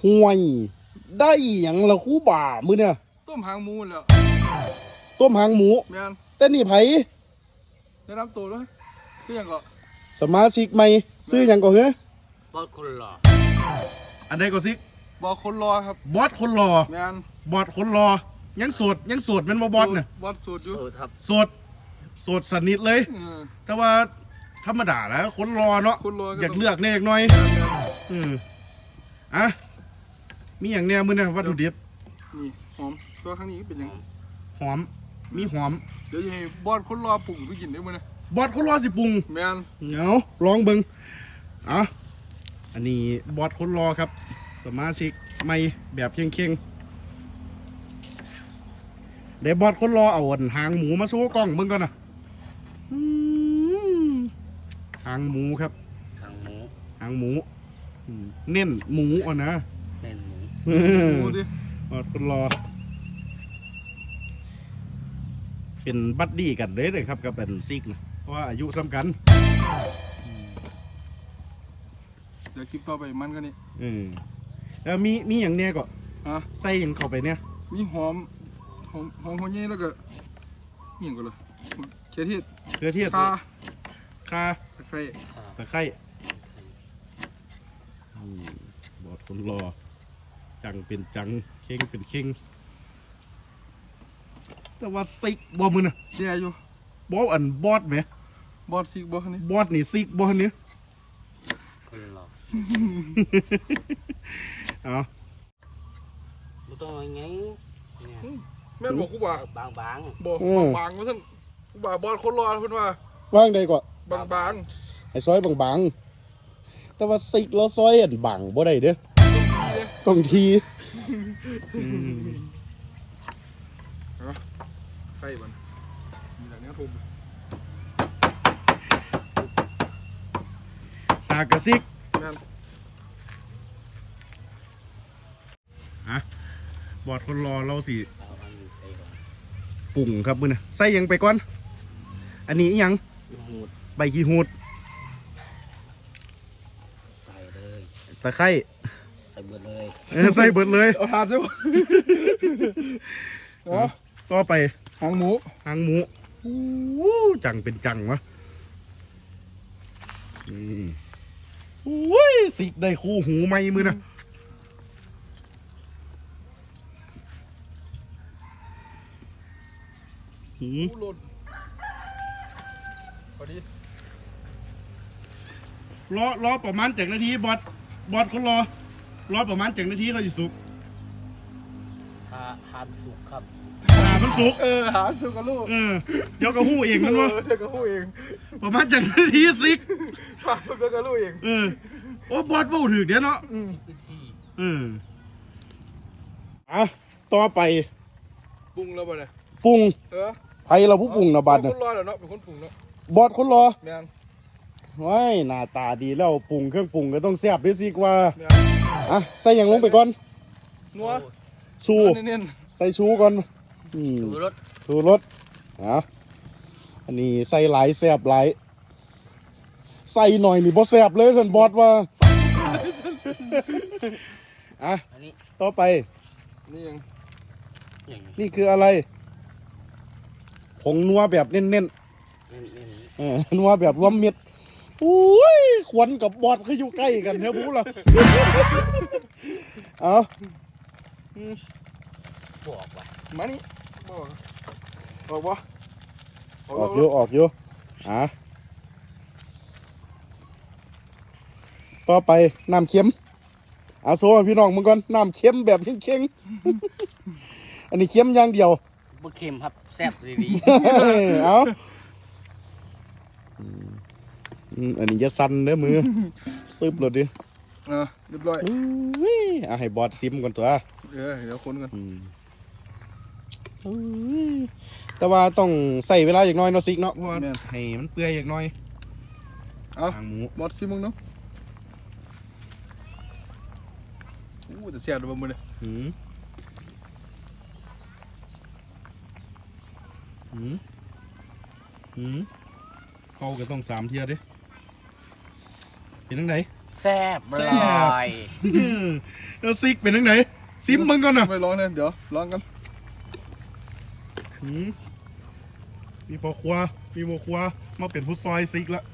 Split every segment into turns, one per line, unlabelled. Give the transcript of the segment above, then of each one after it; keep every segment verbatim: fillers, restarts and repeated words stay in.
ห่วยได้อย่างละคู่บ่ามือเนี่ย
ต้มหางหมูแล้ว
ต้มหางหมู
แม่น
แต่นี่ไผ
ได้รับตัวด้วยคือหยังก็
สมาชิกใหม่ซื้อหยังก่อนเหรอบ
อสคนหล่อ
อันใดก็ซิก
บอกคนรอครับ
บอสคนรอ
แม่น
บอสคนรอยังโสดยังโสดเป็นบ่บอสเนี่ย
บอสสูตรอยู่
สูตรครับ
โสดโสดสนิทเลย
เออ
แต่ว่าธรรมดาแล้วคนรอเนาะ
คนรอก็
อยาก
ต้อง
เลือกแน่อีกหน่อย
แม่นแม่น
อืมอ่ะมีอย่างเนี้ยมือเนี่ยวัตถุดิบ
นี่หอมตัวข้างนี้เป็นหยัง
หอมมีหอม
เดี๋ยวจะให้บอสคนรอปรุงไปกินได้มื้อนะ
บอสคนรอสิปรุง
แม่น
เนาลองเบิงอ่ะอันนี้บอสคนรอครับสมาชิกใหม่แบบเข่งๆเดี๋ยวบอสคนรอเอาอันหางหมูมาสู้กล้องเบิ่งก่อนนะอืมหางหมูครับ
ทางหมู
หางหมูอืมเน้นหมูอ่ะนะ
แม่นหมู
หมูดิ
บอสคนรอ เป็นบัดดี้กันเลยเลยครับกับเป็นซิกนะเพราะว่าอายุซ้ำกัน
เดี๋ยวคลิปต่อไปมันก็นี่
เออแล้วมีมีอย่างเนี้ยก็
ฮะ
ใส่อย่างเข้าไปเนี่ย
มีหอมหอมหอมหัวใหญ่แล้วก็นี่หยังก็เลยเขียเทศ
เกลือเทียม
ข่า
คา
ตะไคร้
ตะไคร้อืมบอดคนรอ จังเป็นจังเข่งเป็นเข่งแต่ว่าซิกบอมือนะ
แย่อยู่
บออันบอดไหม
บอสซิกบอสนี่
บอดนี่ซิกบอดนี้
คนหล่อ
เอา
ไม่ต้องอะไรไงเนี่ย
แม่นบอกกูว่า
บางบาง
บอกบางๆว่าท่านกูว่าบอสคนรอเพิ่นว่า
ว่างใดก็
บาง
ไอ้ซอยบางๆแต่ว่าซิกแล้วซอยอันบางบ่ได้เด้อ
ๆต้องดีเลย
ต้องทีอืม
ไข่มันมีหลังเนี้ยทุบ
สากกระซิก
แม่น
อ่ะบอดคนรอเราสิ
เอาอันนี้ใส่ก่อน
ปรุงครับมือนะใส่หยังไปก่อน อันนี้อิหยัง
หูด
ใบขี้หูด
ใส่เลย
ตะไคร้
ใส่เบิดเลย
เออใส่เบิดเลย
เอาทานใช่ปะเนาะ
ต่อไป
หางหมู
หางหมูอู้จังเป็นจังวะอืมโอ้ยสิได้คู่หูไหมมือนะหืม
หมูหล่นพอดี
รอรอประมาณจากนาทีบอดบอดเขารอ รอประมาณจากนาทีเขาจะสุก
หาหามสุกครับ
อ่ามันสุก
เออหาสุกกับลูก
เออเดี๋ยวก็หู้เองมันวะ
เออเดี๋ยวก็พูดเอง
ประมาณจากนาทีสิก
หาสุกกับลูกเอง
เออโอ้บอดเว้าถึกเดี๋ยวเนาะ
อืม
วิธี
เอออ่ะต่อไป
ปรุงแล้วป่ะเนี่ย
ปรุง
เออ
ไผเราผู้ปรุงนะบัด
เป็
นะ
นคนรอแล้วเนาะเป็นคนปรุงเนาะ
บอดคนรอ
แม่น
ว้ายหน้าตาดีแล้วปรุงเครื่องปรุงก็ต้องแซ่บด้วยสิกว่า
แม่น
อ่ะใส่หยังลงไปก่อน
นัว
ชู
เน้น
ใส่ชูก่อนอืม
สูรส
ชูรสอ่ะอันนี้ใส่หลายแซ่บหลายใส่หน่อยนี่บ่แซ่บเลยสันบอดว่าอ่ะ
อันนี้
ต่อไป
ๆนี่ยัง
อย่างนี้
นี่คืออะไรผงนัวแบบเน้นๆ
เน้นเน้น
เออนัวแบบรวมมิตรอุ้ยขวัญกับบอดคืออยู่ใกล้กันเนี่ยบู๊ล่ะ เอา
บอกว่า
มานี่บอกออกบ่
ออกอยู่ออกอยู่อ่ะต่อไปน้ำเค็มเอาโซ่ให้พี่น้องมึงก่อนน้ำเค็มแบบเค็งๆ อันนี้เค็มอย่างเดียว
บะเค็มครับแซ่บดี
เอาอืมอันนี้จะสั่นเด้อมือซึบเลยดิ
เออเรียบร้อย
อุ้ยเอาให้บอดซิมก่อนตัว
เออเดี๋ยวคนกัน
อืมอุ้ยแต่ว่าต้องใส่เวลาอย่างน้อยเนาะซิกเนาะเพราะว่าให้มันเปื่อยอย่างน้อย
เอา
หางหมู
บอสซิมึงเนาะอู้แต่เสียดบ่มื้อนี้
หืมหืมหืมเขาก็ต้องสามเทียดิเป็นยังไง
แซ่บ
แซ่
อบ ร่อย
แล้วซิกเป็นยังไงซิมมึงก่อนนะ
ไปลองเลยเดี๋ยวลองกัน
หืมมีพอครัวมีพอครัวมาเป็นผู้ซอยซิกละ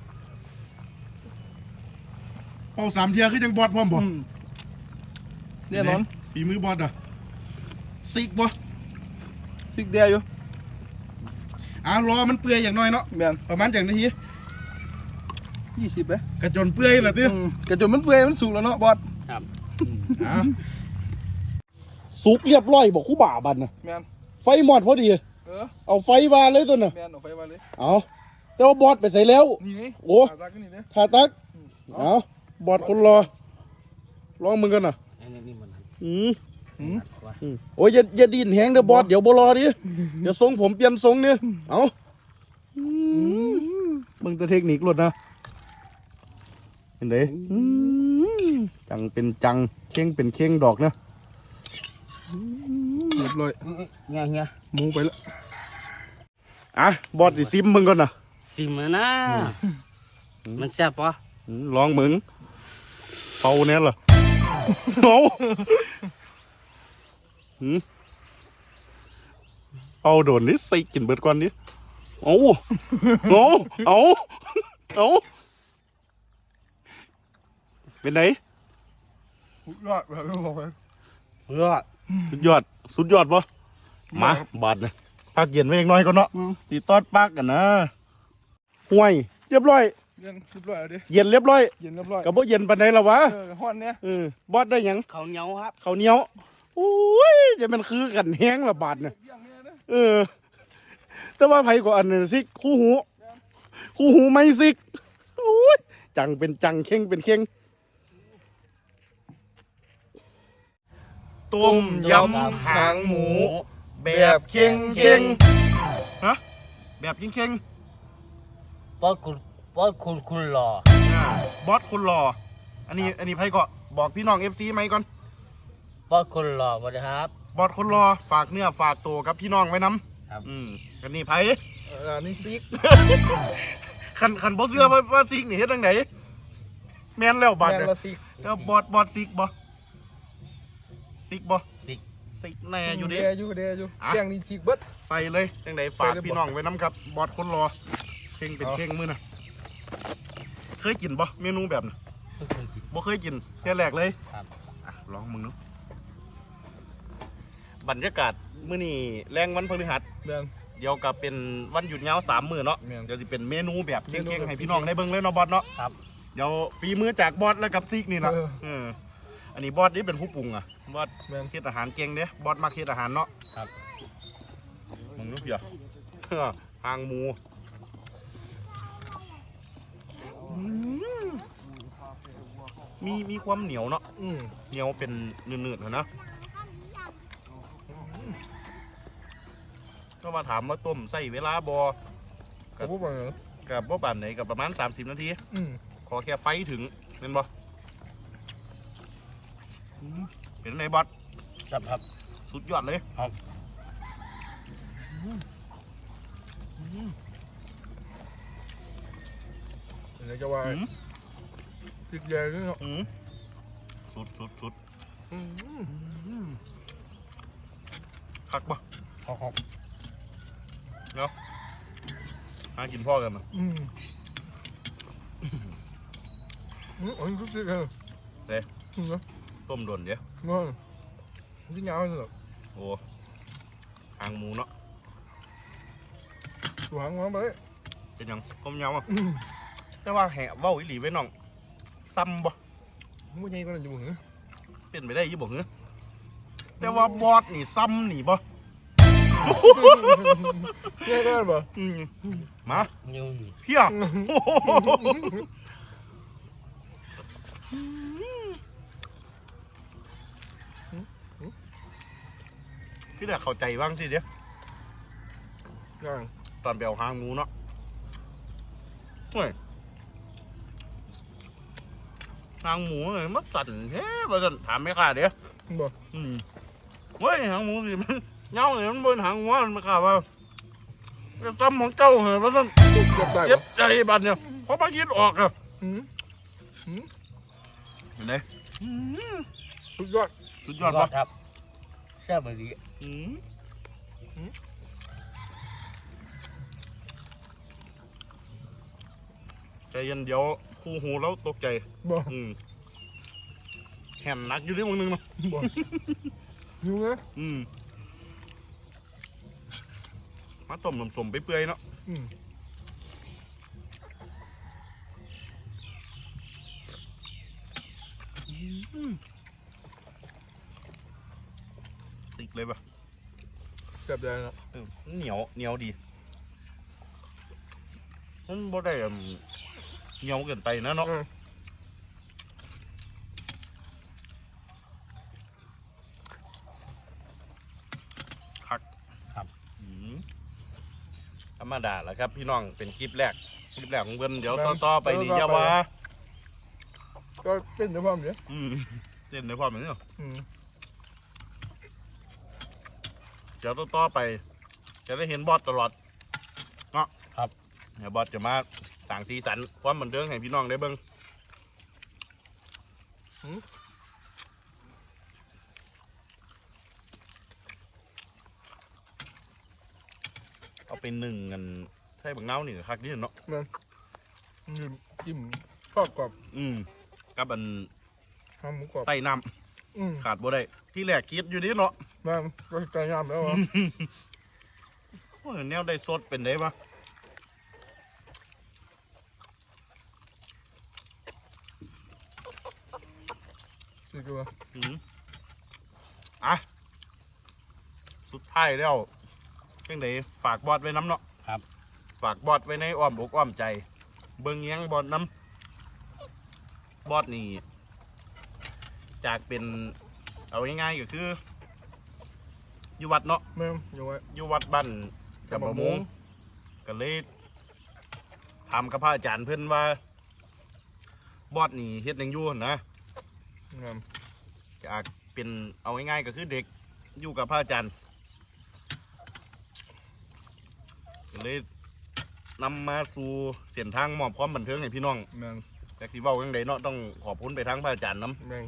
เป่าสามเทียคือจังบอดพร้อมบ่
อืมแน่นอน
ฝีมือบอดอ่ะซิกบ่
พริกเดียวอยู่
อ่ะรอมันเปื่อยอย่างน้อยเนาะ
แม่น
ประมาณจังนาที
ยี่สิบไหม
กระจนเปื่อยละติ
อืมกระจนมันเปื่อยมันสุกแล้วเนาะบอส
ครับ
อ่ะสุกเรียบร้อยบอกคู่บ่าบันนะ
แม่น
ไฟหมอดพอดี
เออ
เอาไฟวาเลยตัวน่ะ
แม่นเอาไฟมาเลย
เอาแต่ว่าบอดไปใส่แล้ว
นี่ไง
โอ้
ตาตากันนี่เนี่ย
ทาตักเอาบอดคนรอลองมึงกันน่ะ
อันนี้นี่มัน
อืม
อืม
ว่า
อืมโอ้ยอย่าอย่าดินแหงเด้อบอดเดี๋ยวบ่รอดิเดี๋ยวทรงผมเปลี่ยนทรงเนี่ยเอาอืมมึงตัวเทคนิคหลุดนะเห็นเด้อืมจังเป็นจังเข่งเป็นเข่งดอกนะ
เรียบร้อย
เงี้ยเงี้ย
หมูไปแล้ว
อ่ะบอดสิซิมมึงก่อนนะ
สิมานะมันแซ่บปะ
อืมลองมึงเป่าเนี่ยเหรอเอาหืมเอาโดนนี่ใส่กินเบิดก่อนดิเอาเอาเอาเอาเป็นไง
ยอดแบบที่บอกไป
เพื่อ
สุดยอดสุดยอดปะมาบาดเลยพักเย็นไว้อีกหน้อยก็เนาะ
อืม
ตีตอดปักกันนะห่วยเรียบร้อย
เย็นเรียบร้อยแล้วดิ
เย็นเรียบร้อย
เย็นเรียบร้อย
กับบ่เย็นปานใดละวะ
เออห้อนเนี่ย
เออบอดได้หยัง
เขาวเหนียวครับ
ข้าวเหนียวโอ้ยจะเป็นคือกันแห้งละบาดเนี่ย
เยี่ยงเนี่ยนะ
เออ แต่ว่าไผก็อันนึงซิกคู่หู คู่หูไม่ซิกโอ้ยจังเป็นจังเข่งเป็นเข่งต้มยำหางหมู แบบเข่งเข่งฮะแบบเข่งเข่ง
ปอดคุณปอดคุณคุณหล่อบ
อสคนรอ อันนี้อันนี้ไผก็บอกพี่น้อง เอฟ ซี ไหมก่อน
ปอดคุณหล่อสวัสดีครับ
บอสคนรอฝากเนื้อฝากตัวกับพี่น้องไว้น้
ครับ
ำอืมกันนี่ไผ
เออนี่ซิก
คันคันบ่เชื่อว่าว่าซิกนี่เฮ็ดจังไดแม่นแล้วบาด
แมน
เนี่ย
ละซิก
แล้วบอสบอสซิกบ่ซิกบ่
สิ
ซิกแน่อยู่
เดี
ดิ
ยอยู่เดียอยู่
อ่ะ
แกงนี่ซิกเบิด
ใส่เลยจังไดฝาก
ใส่เลยบ่
พี่น้องไว้น้ำครับ บอสคนรอเข่งเป็น
เอา
เข่งมือน่ะเคยกินบ่เมนูแบบน่ะ
ไม่เคยกิน
บ่เคยกินแค่แรกเลย
ครับ
อ่ะลองมึงเนาะบรรยากาศมื้อนี้แรงวันพฤหัส
แมน
เดี๋ยวกับเป็นวันหยุดยาวสามมื้อเนาะ
แม่น
เดี๋ยวสิเป็นเมนูแบบ
เมนู
เข่ง
แบบ
ๆให้พี่น้องได้เบิ่งเลยเนาะบอสเนาะ
ครับ
เดี๋ยวฝีมือจากบอสแล้วกับซิกนี่ล่ะ
เออ
เอออันนี้บอสนี่เป็นผู้ปรุงอ่ะบอส
แมน
เฮ็ดอาหารเก่งเด้บอสมักเฮ็ดอาหารเนาะ
ครับ
มึงนึกเพียหางหมูมีมีความเหนียวเนาะ
อืม
เหนียวเป็นเนื้อๆนะก็มาถามว่าต้มใส่เวลาบอ
กับพวกมัน
กับบ่บานไหนกับประมาณสามสิบนาที
อืม
ขอแค่ไฟถึงเห็นบ่เป็นไงบอส
ครับครับ
สุดยอดเลย
ครับ
เดี๋ยวจะว่า
อืม
ซิกใหญ่ด้วยเนาะ
อืมสุดสุดสุด
อืม
คักบ่
ขอขอบ
เนาะหากินพ่อกันนะ
อืมอืมอันนี้ก็ซิกเลย
เด้
อืมเนาะ
ต้มโดนเดี๋ยว
งอนที่ยาวเลยเหรอ
โอ้หางหมูเนาะ
ตัวหางมาไป
เป็นหยังต้มยำอ่ะ
อืม
แต่ว่าแหะเว้าอีหลีไว้น้องซ้ำบ่
ไม่ใช่ก็เลยอยู่หรือ
เป็นไปได้อยี่บ่เหรอแต่ว่าบอสนี่ซ้ำนี่บ่
ใช่ก็ได้ป่ะ
อืมมา
นิ้วนี่
เพียพี่แต่เข้าใจบ้างสิเดี๋ยว
ยัง
ตอนไปเอาหางหมูเนาะเฮ้ยหางหมูเลยมันสั่นแท้บ่สั่นถามไม่ค่าเดี๋ยว
บ่
อืมเฮ้ยหางหมูสิมันเงาเลยมันบนหางหัวมันมาข่าวว่าจะซ้ำของเจ้าเหรอว่าสั่น
เก็บได้
เจ็
ป่ะ
บใจบัดเนี่ยเพราะมาคิดออกอะ
อืมอืม
เห็นไหม
สุดยอด
สุดยอดปะ
ครับแซ่บดี
อืมใจเย็นเดี๋ยวฟูหูแล้วตกใจ
บ่
อืมแห่นหนักอยู่ที่มึงนึงเนาะ
บ่หิวนะ
อืมมาต้มสมๆไปเปื่อยๆเนาะ
อืม
ติกเลยปะ
แซ่บได้นะ
เออเหนียวเหนียวดีมันบ่ได้อืมเหนียวเกินไปนะเนาะ
อืม
คักอืมธรรมดาแหละครับ พี่น้องเป็นคลิปแรกคลิปแรกของเพิ่นเดี๋ยวต่อๆไปนี่อย่าว่า
ก็เต้นด้วยความเนี้ย
อืมเส้นในความเหมือนเนาะ
อืม
เดี๋ยวต่อๆไป จะได้เห็นบอสตลอดเนาะ
ครับ
เดี๋ยวบอสจะมาสั่งสีสันความบันเทิงให้พี่น้องได้เบิ่งเอาเป็นหนึ่งกันใส่บักเน่านี่ก็คักดีเนาะ
มันจิ้มจิ้มทอดกรอบ
อืมกับอัน
ทำหมูกรอบ
ไต้น้
อืม
ำขาดบ่ได้ที่แรกคิดอยู่นี่เนาะ
มาก็ไก่ย่างแล้วเหรอ
โอ้ยแนวได้สดเป็นได้ปะ
นี่คือว่า
อืมอ่ะสุดท้ายแล้วจังไดฝากบอสไว้น้ำเนาะ
ครับ
ฝากบอสไว้ในอ้อมอกอ้อมใจ เบิ่งเงี้ยงบอสน้ำบอสนี่ จากเป็นเอาง่ายๆก็คืออยู่วัดเนาะ
แม่งอยู่ไว้
อยู่วัดบ้านกับบ่มงก็เลยถามกับพระอาจารย์เพื่อนว่า บอสนี่เฮ็ดหยังอยู่หั่นนะ
งาม
จากเป็นเอาง่ายๆก็คือเด็กอยู่กับพระอาจารย์ก็เลยนำมาสู่เส้นทางมอบความบันเทิงให้พี่น้อง
แม่ง
จากที่เว้าจังไดเนาะต้องขอบคุณไปทั้งพระอาจารย์นํ
แม่ง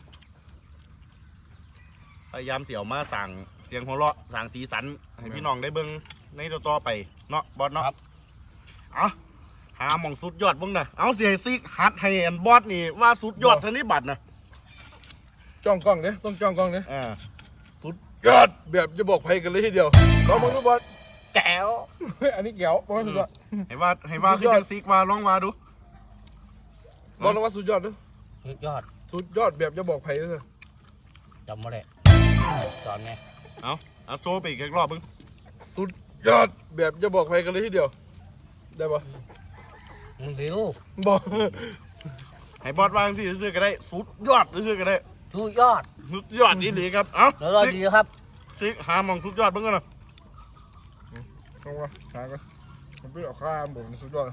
พยายามเสี่ยวมาสั่งเสียงหัวเราะสั่งสีสันให้พี่น้องได้เบิ่งในต่อๆไปเนาะบอสเนาะ
ครับ
เอาหาหมองสุดยอดเบิ่งนะเอาเสียซิกฮัดให้อันบอสนี่ว่าสุดยอดเทานี้บัตรนะ
จ้องกล้องเนี้ยต้องจ้องกล้องเนี้ย
อ่า
สุดยอดแบบจะบอกใครกันเลยทีเดียวลองมึงดูบอล
แก้ว
เฮ้ยอันนี้แก้วบอลสุดยอด
ให้ว่าให้ว่า
สุ
คือ
ดยอด
จังซิกว่าลองว่าดู
บอลลงว่าสุดยอดด้วย
สุดยอด
สุดยอดแบบจะบอกใครด้วย
จำไม่ได้สอนไง
เอาเอาโชว์ไปอีกรอบเบิ่ง
สุดยอดแบบจะบอกใครกันเลยทีเดียวได้ปะ
มึงดิว
บอก
ให้บอสวาจังสิซื้อๆก็ได้สุดยอดซื้อๆก็ได้
สุดยอด
สุดยอดนี่หลีครับเอา
เดี๋ยวรอดีครับ
ซิกหาหมองสุดยอดเบิ่งกันนะ
ลองว่าหากันมันเป็นเอาข้ามผมสุดยอด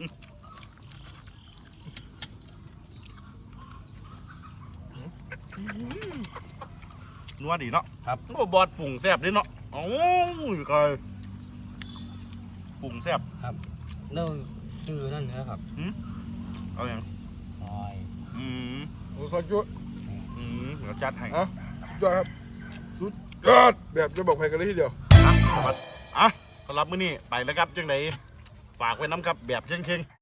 นัวดีเนาะ
ครับ
โอ้บอสปรุงแซ่บเด้เนาะโอ้ยกายปรุงแซ่บ
ครับเนื้อชื่อนั่นเนื้อครับ
เอาอย่าง
ซอย
อืม
โอ้สุดยอด
อืมเดี๋ยวจัดให้
อ่ะสุดยอดครับสุดยอดแบบจะบอกใครกันเลยทีเดียว
อ่ะสำหรับอ่ะสำหรับมื้อนี้ไปแล้วครับจังไดฝากไว้น้ำครับแบบเชิงๆ